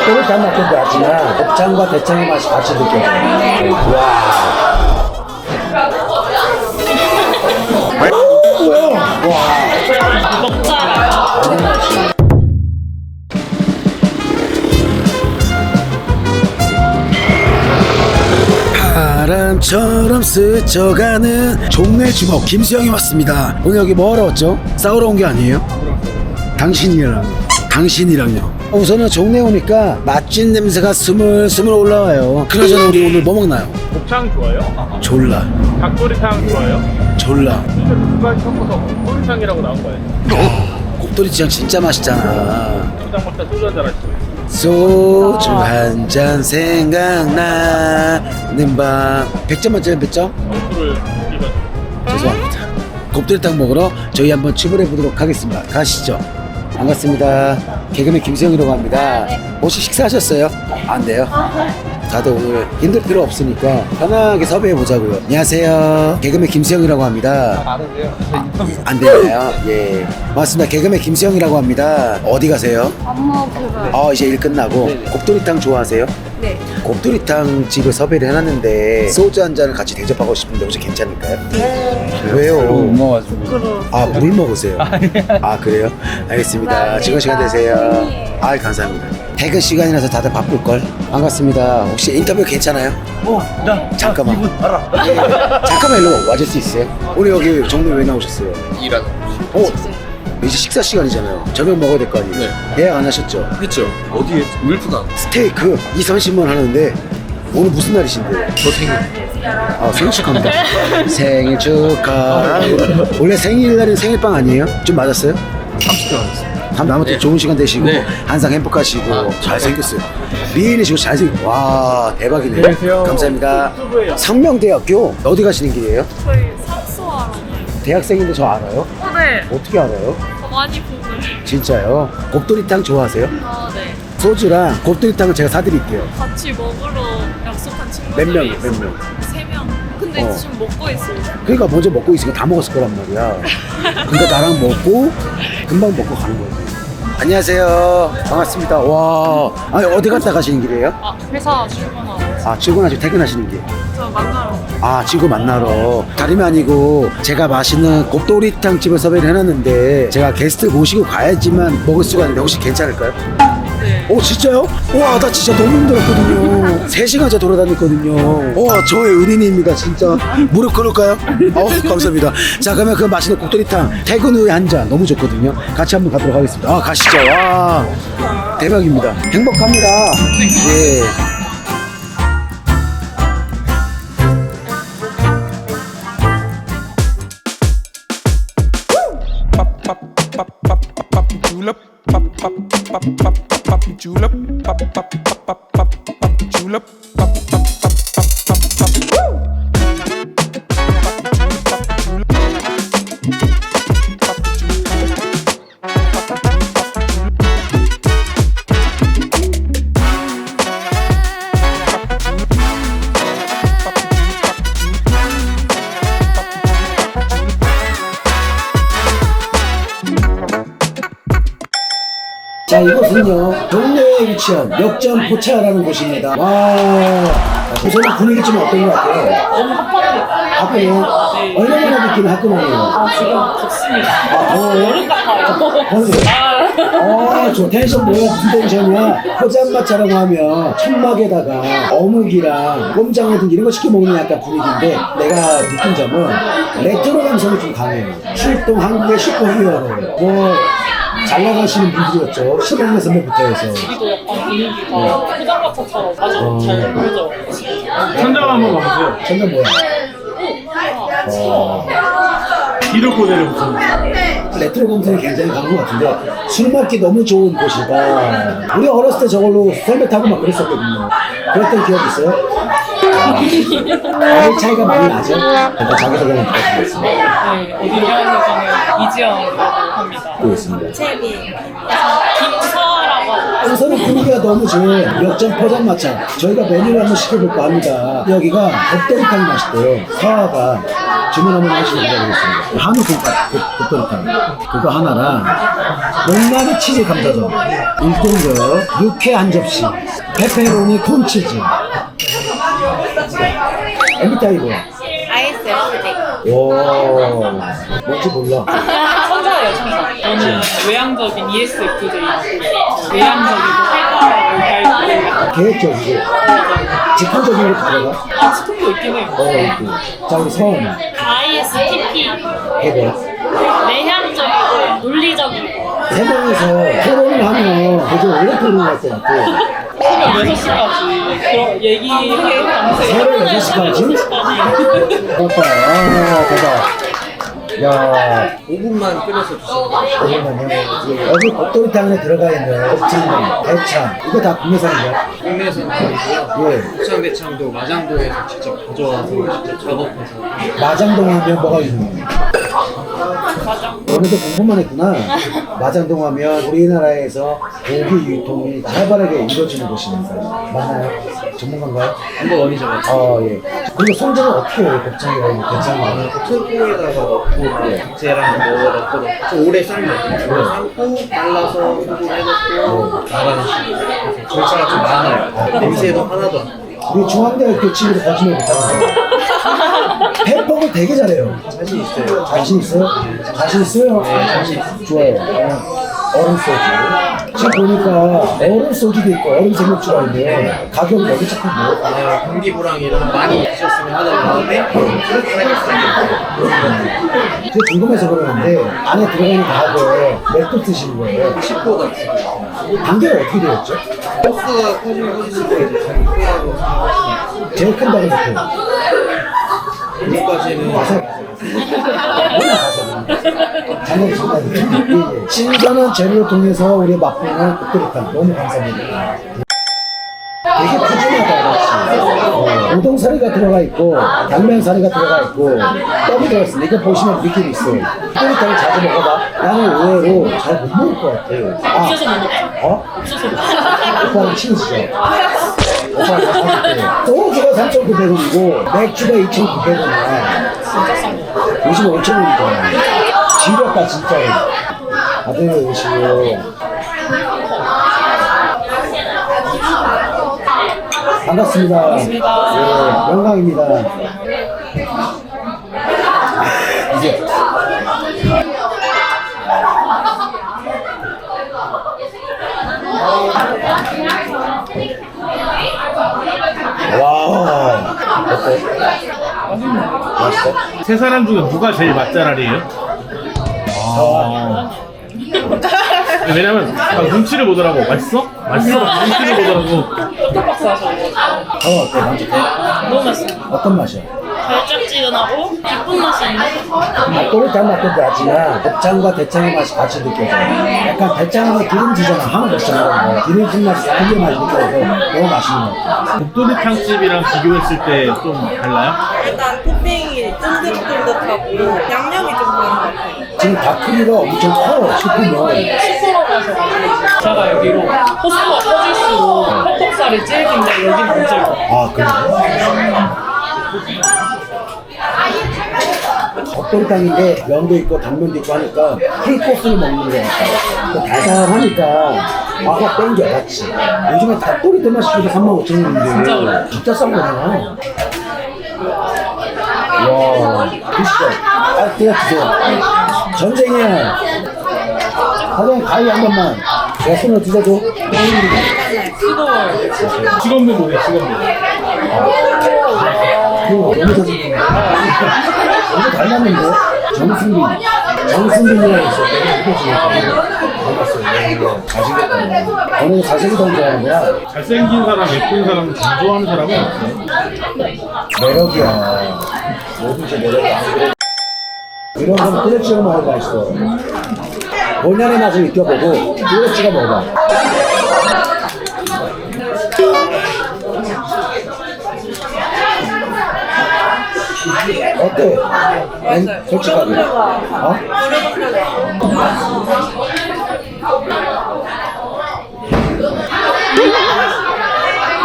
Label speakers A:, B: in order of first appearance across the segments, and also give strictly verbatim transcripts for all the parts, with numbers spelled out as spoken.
A: 곱돌이 다 맛도 나지만 곱창과 대창의 맛이 같이 느껴져요. 와. 바람처럼 스쳐가는 종래 주먹 김수영이 왔습니다. 오늘 여기 뭐하러 왔죠? 싸우러 온 게 아니에요? 당신이랑 당신이랑요. 우선은 종래 오니까 맛진 냄새가 스물스물 올라와요. 그나저나 우리 오늘 뭐 먹나요?
B: 곱창 좋아요?
A: 졸라
B: 닭도리탕 좋아요?
A: 졸라
B: 두 가지 섞어서 곱도리탕이라고 나온 거예요.
A: 곱돌이탕 진짜 맛있잖아.
B: 곱창 먹다 소주 한잔 하시죠.
A: 소주 한 잔 생각나는 밤. 백 점 만점에 몇 점?
B: 점수를 이번
A: 죄송합니다. 곱돌이탕 먹으러 저희 한번 출발해 보도록 하겠습니다. 가시죠. 반갑습니다. 개그맨 김수영이라고 합니다. 혹시 식사하셨어요? 안 돼요? 다들 오늘 힘들 필요 없으니까 편하게 섭외해 보자고요. 안녕하세요. 개그맨 김수영이라고 합니다.
B: 아는데요?
A: 안 되나요? 예. 반갑습니다. 개그맨 김수영이라고 합니다. 어디 가세요?
C: 엄마 배가.
A: 어, 이제 일 끝나고.
B: 네네.
A: 곱돌이탕 좋아하세요?
C: 네.
A: 곱돌이탕 집을 섭외를 해놨는데 소주 한 잔을 같이 대접하고 싶은데 혹시 괜찮을까요? 왜요?
B: 먹어가지고.
C: 부끄러워.
A: 아, 물 먹으세요? 아, 그래요? 알겠습니다.
C: 감사합니다.
A: 즐거운 시간 되세요.
C: 팬이에요.
A: 아, 감사합니다. 퇴근 시간이라서 다들 바쁠걸? 반갑습니다. 혹시 인터뷰 괜찮아요?
B: 어, 나
A: 잠깐만.
B: 이분 알아.
A: 잠깐만 일로 와줄 수 있어요? 오늘 여기 종로 왜 나오셨어요?
B: 일하는.
A: 어? 이제 식사 시간이잖아요. 저녁 먹어야 될 거 아니에요?
B: 네.
A: 예약 안 하셨죠?
B: 했죠. 어디에? 울프가.
A: 스테이크 이, 삼십만 하는데 오늘 무슨 날이신데요?
B: 저 생일.
A: 아, 생일 축하합니다. 생일 축하합니다. 원래 생일날은 생일빵 아니에요? 좀 맞았어요?
B: 삼십 대 왔어요.
A: 다음 아무튼
B: 네.
A: 좋은 시간 되시고
B: 네.
A: 항상 행복하시고
B: 아,
A: 잘생겼어요. 미인이시고 잘생겼. 와, 대박이네요.
B: 안녕하세요.
A: 감사합니다.
B: 유튜브예요.
A: 상명대학교 어디 가시는 길이에요?
C: 저희 삭수하러.
A: 대학생인데 저 알아요?
C: 어, 네.
A: 어떻게 알아요?
C: 더 많이 보고.
A: 진짜요? 곱돌이탕 좋아하세요?
C: 아, 네.
A: 소주랑 곱돌이탕을 제가 사드릴게요.
C: 같이 먹으러 약속한 친구들이
A: 몇 명이요?
C: 있어요.
A: 몇 명?
C: 세 명. 근데
A: 어.
C: 지금 먹고 있어요.
A: 그러니까 먼저 먹고 있으니까 다 먹었을 거란 말이야. 그러니까 나랑 먹고 금방 먹고 가는 거지. 안녕하세요. 반갑습니다. 와, 아니 어디 갔다 가시는 길이에요?
C: 아, 회사 출근하고.
A: 아, 출근하시고 퇴근하시는 길.
C: 저 만나러.
A: 아, 친구 만나러. 다름이 아니고 제가 맛있는 곱돌이탕 집을 섭외를 해놨는데 제가 게스트 모시고 가야지만 먹을 수가 있는데 혹시 괜찮을까요?
C: 네.
A: 오, 진짜요? 와, 나 진짜 너무 힘들었거든요. 세 시간째 돌아다녔거든요. 와, 저의 은인입니다, 진짜. 무릎 꿇을까요? 어, 감사합니다. 자, 그러면 그 맛있는 곱돌이탕 퇴근 후에 한 잔 너무 좋거든요. 같이 한번 가도록 하겠습니다. 아, 가시죠. 와, 대박입니다. 행복합니다. 예.
D: julep, pop pop pop pop pop julep, pop pop pop pop pop pop julep, pop pop pop pop pop pop. Woo!
A: 자, 이곳은요 동네에 위치한 역전 포차라는 곳입니다. 와, 우선은 분위기 좀 어떤 것 같아요?
C: 너무 핫하네요.
A: 학교는 얼마나 느끼는 학교만이에요?
C: 아, 지금 덥습니다.
A: 아, 더워요?
C: 여름 같아요.
A: 더워요? 아, 저 텐션 뭐야? 무슨 텐션이야? 포장마차라고 하면 천막에다가 어묵이랑 꼼장어등 이런 거 시켜 먹는 약간 분위기인데 내가 느낀 점은 레트로 감성이 좀 강해요. 출동 한국의 슈퍼히어로 뭐 잘 나가시는 분들이었죠. 신영래 선배부터 해서.
C: 여기도 약간 분위기가 포장마차처럼 아주
A: 어.
C: 잘 보여져.
B: 천장 한번 가보세요.
A: 천장 뭐야? 어.
B: 뒤로 고대로 붙습니다.
A: 레트로 감성이 굉장히 강한 것 같은데 술 먹기 너무 좋은 곳이다. 우리 어렸을 때 저걸로 썰매 타고 막 그랬었거든요. 그랬던 기억 있어요? 나이 차이가 많이 나죠? 일단 자기소개만 부탁드리겠습니다.
C: 네, 어디로 가는지는 이지영이라고 합니다.
A: 또 있습니다.
C: 채비. 김서라고 하고.
A: 우선은 분위기가 너무 좋은 역전 포장마차. 저희가 메뉴를 한번 시켜볼까 합니다. 여기가 곱돌이탕 맛있대요. 서아가 주문 한번 하시면 기다리겠습니다. 한우 돈가 곱돌이탕 그거 하나랑 목나리 치즈 감자전 일 등급 육회 한 접시 페페로니 콘치즈 엠비티아이 뭐야?
C: 아이에스에프제이.
A: 오 뭔지 몰라.
C: 천사예요, 천사. 저는 외향적인 이에스에프제이. 외향적이고 활발하고
A: 계획적이고 직관적인 것도 들어가?
C: 아, 스톱도 있긴 해요.
A: 어 있고. 자 우리 선
E: 아이에스티피
A: 해봐.
E: 내향적이고 논리적이고
A: 세 명이서 토론을 하면 되게 오래 토론할 것 같고
C: 새벽 여섯 시까지 그런 얘기해 밤새.
A: 새벽 여섯 시까지? 오빠 아 대박. 야
B: 오 분만 끓여서 주세요.
A: 잠깐만요. 여기 곱돌이탕 안에 들어가 있는 곱창, 대창 이거 다 국내산인가요?
B: 국내에서는 아니고요.
A: 예.
B: 국산 대창도 마장도에서 직접 가져와서 직접 작업해서.
A: 마장동 하면 뭐가 유명해요? 오늘도 공부만 했구나. 마장동 하면 우리나라에서 고기 유통이 활발하게 이루어지는 곳입니다. 맞나요? 전문가인가요?
B: 한번 원이 잡았죠.
A: 아 예. 그리고 손질은 어떻게 해요? 곱창이랑 대창이랑?
B: 소고에다가 넣고 쟤랑 뭐 넣고 좀 오래 삶아요. 오래 삶고 말라서 소금 해놓고 나가는 식으로. 절차가 좀 많아요. 냄새도 하나도 안 나요.
A: 우리 중앙대학교 친구들 거짓말 못하는 거예요. 햄버거 되게 잘해요.
B: 자신 있어요.
A: 자신 있어요? 자신 있어요? 네, 자신 있어요. 좋아요. 어, 얼음 소주. 지금 보니까 얼음 소주도 있고 얼음 생맥주가 있는데 가격 여기 조금 뭐?
B: 아, 공기부랑이랑 많이 드셨으면 하는 마음에 그렇게
A: 제가 궁금해서 그러는데 안에 들어가는 가게 몇 드시는 거예요?
B: 식구가 있어요.
A: 단계가 어떻게 되었죠?
B: 버스가 커지면 커질수록 이제 자기 크다고 생각하시면
A: 제일 큰 단계 몇
B: 여기까지는
A: 장난 장난. 신선한 재료를 통해서 우리 맛보는 곱돌이탕 너무 감사합니다. 되게 푸짐하다 역시. 어, 우동사리가 들어가 있고 당면사리가 들어가 있고 떡이 들어있어. 이거 보시면 느낌이 있어. 곱돌이탕을 자주 먹어봐. 나는 의외로 잘 못 먹을 것 같아. 아,
E: 없어서 못 먹죠.
A: 어?
E: 없어서 못 먹죠.
A: 오빠랑 친구시죠? 오빠랑 다 사줄게. 소주가 삼천구백 원이고 맥주가 이천구백 원이야. 요즘 오천 원이잖아. 지렸다 진짜로. 다들 오시고. 반갑습니다. 반갑습니다. 예, 영광입니다. 이제 와 어때? 맛있어?
F: 세 사람 중에 누가 제일 맛잘알이에요? 아. 왜냐면 막 눈치를 보더라고. 맛있어? 맛있어? 눈치를 보더라고.
C: 떡박스 하셔가지고.
A: 어 어때? 만족해?
E: 너무 맛있어요.
A: 어떤 맛이야?
E: 달짝지근하고 기쁜 맛이 있는
A: 곱돌이탕 맛도 나지만 곱창과 대창의 맛이 같이 느껴져. 약간 대창은 기름지잖아. 한우 곱창이라는 거. 기름진 맛이 쌍게 맛이 느껴져서 너무 맛있는 것 같아.
F: 곱돌이탕집이랑 비교했을 때 좀 달라요?
G: 일단 토핑이 쫀득쫀득하고 양념이 좀 많은 것 같아요.
A: 지금 다크리가 엄청 커 싶으면
C: 시끄러워 하셔가지고. 제가 여기로 호수가 커질수록 퍽퍽살이 질긴데 여기는 안 질겨.
A: 아 그래? 곱돌이탕인데 면도 있고 당면도 있고 하니까 풀코스를 먹는 것 같아. 또 달달하니까 아가 땡겨 같이. 요즘에 닭도리탕 맛이 저도 삼만 오천 원인데
C: 진짜 그래.
A: 진짜 싼 거잖아. 와 드시죠. 아 그냥 드세요. 전쟁이야. 사장님 가위 한 번만. 내 손으로 드셔도.
C: 뜨거워요.
F: 직원들 보세요, 직원들.
A: 그거 너무 잘생긴 거. 너무 닮았는데? 정승빈. 정승빈이라고 있어. 내가 느껴지니까. 닮았어요. 잘생겼다. 너는 잘생기다는 줄 아는 거야?
F: 잘생긴 사람, 예쁜 사람, 잘 좋아하는 사람은 없어요.
A: 매력이야. 뭐든지 매력이야. 이런 건 뚜레치가 먹어야 맛있어. 본연의 맛을 느껴보고 뚜레치가 먹어봐. 어때?
G: 맛있어요.
A: 솔직하게. 어?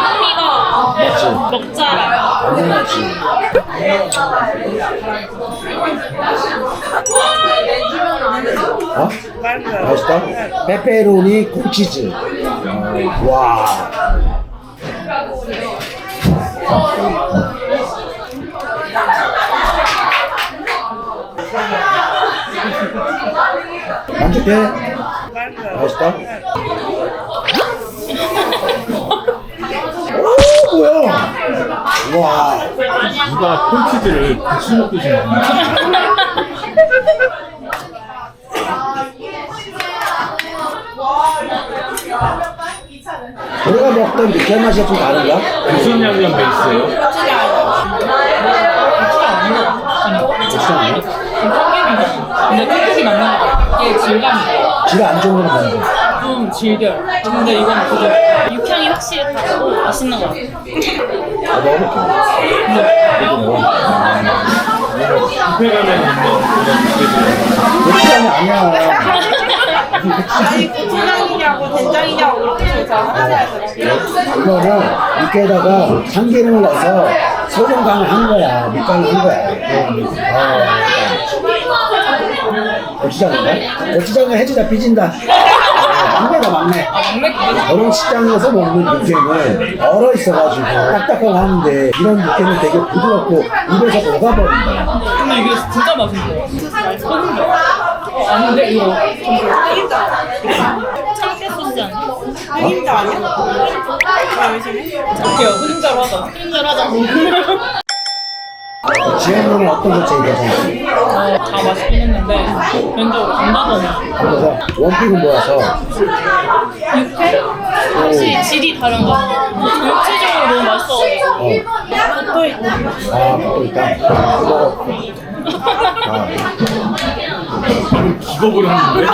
E: 풍미가
A: 맞지?
E: 먹자라
A: 완전 맞지? 어? 맛있다? 페페로니 콘치즈. 어, 와. 만족해? 맛있다? 오, 뭐야? 와.
F: 누가 콘치즈를 같이 먹듯이 먹는
A: 우리가 먹던 느끼한 맛이 좀 다른가?
F: 무슨 양념 베이스예요?
A: 고추장 아니야?
C: 근데 톡톡이 맞는 거 같아. 이게 질감이
A: 질 안 좋은 건 뭔데?
C: 좀 질겨요. 근데 이건 부드러워.
E: 육향이 확실히 다르고 맛있는 것 같아요.
A: 아, 먹어볼게. 이거 먹어.
F: 뷔페 가면 있는 그런
A: 고추장이 아니야.
G: 아니 고추장이냐고 된장이냐고 이렇게 조사하셔야 돼요.
A: 이거는 육개에다가 참기름을 넣어서 소금 간을 한 거야. 밑간을 한 거야. 어. 고추장인가? 고추장을 해주다 삐진다. 막내다 막내. 저런 식당에서 먹는 육개는 얼어 있어가지고 딱딱하고 하는데 이런 육개는 되게 부드럽고 입에서 녹아버린다.
C: 근데 이게 진짜 맛있어요. 소금도. 어, 아닌데 이거
E: 참깨 소스 아니야?
G: 흑임자 아니야? 나 의심해?
C: 어때요? 흐린자로 하자.
E: 흑임자로 하자.
A: 지현이는 어떤 거 제일 좋아하세요?
C: 어, 다 맛있긴 했는데 개인적으로 감자전이
A: 그래서 원픽은 모아서
E: 육회? 확실히 질이 다른 것 같아요. 전체적으로 너무 맛있어가지고.
A: 어.
G: 또 있고.
A: 아, 먹고 있다. 먹어. 아.
F: 기겁을 하는데?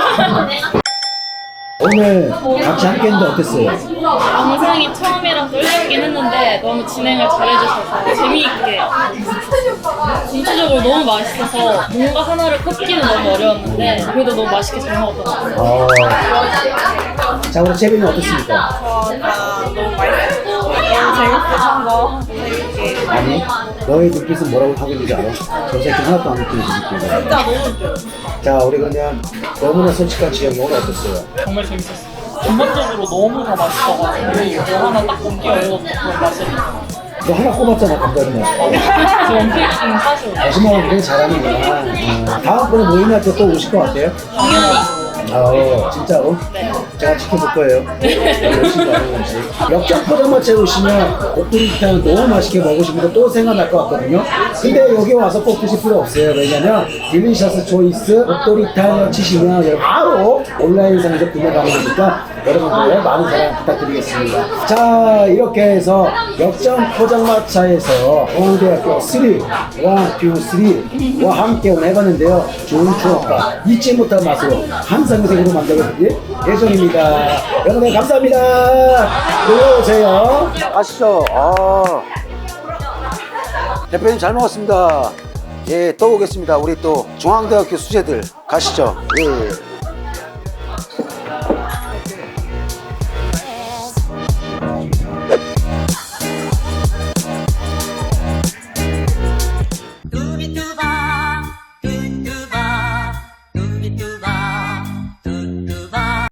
A: 오늘 같이 함께 했는데 어땠어요?
E: 영상이 처음이라 떨리긴 했는데 너무 진행을 잘해주셔서 재미있게 전체적으로 너무 맛있어서 뭔가 하나를 꼽기는 너무 어려웠는데 그래도 너무 맛있게 잘 먹었던 것 같아요.
A: 어. 자, 우리 채빈이 어떻습니까?
G: 저다 너무 맛있고 너무 재밌어서 거 재밌게.
A: 아니, 너의 눈빛은 뭐라고 하고 있는지 알아? 저 새끼 하나도 안 느끼는 느낌.
G: 진짜 너무 좋아.
A: 자, 우리 그냥 너무나 솔직한 지영이 오늘 어땠어요?
C: 정말 재밌었어요. 전반적으로 너무 다 맛있어가지고 뭐 하나 딱 꼽기 어려웠던 그런 맛이에요.
A: 너 하나 꼽았잖아, 감독님.
C: 저 원픽은 사실
A: 거짓말을 굉장히 잘하는구나. 음. 다음번에 모임할 때 또 오실 것 같아요?
E: 당연히.
A: 어, 진짜로? 제가 지켜볼 거예요. 열심히 하는 건지. 역전 포장마차에 오시면 곱돌이탕 너무 맛있게 먹으신 거 또 생각날 것 같거든요. 근데 여기 와서 꼭 드실 필요 없어요. 왜냐면 딜리셔스 초이스 곱돌이탕 치시면 여러분 바로 온라인상에서 구매 가능하니까 여러분들 많은 사랑 부탁드리겠습니다. 자, 이렇게 해서 역전 포장마차에서 서울대학교 삼, 일, 이, 삼과 함께 오늘 해봤는데요. 좋은 추억과 잊지 못할 맛으로 항상 생으로 만들어드릴 예정입니다. 여러분 감사합니다. 들어오세요. 가시죠. 아. 대표님 잘 먹었습니다. 예, 또 오겠습니다. 우리 또 중앙대학교 수재들 가시죠. 예.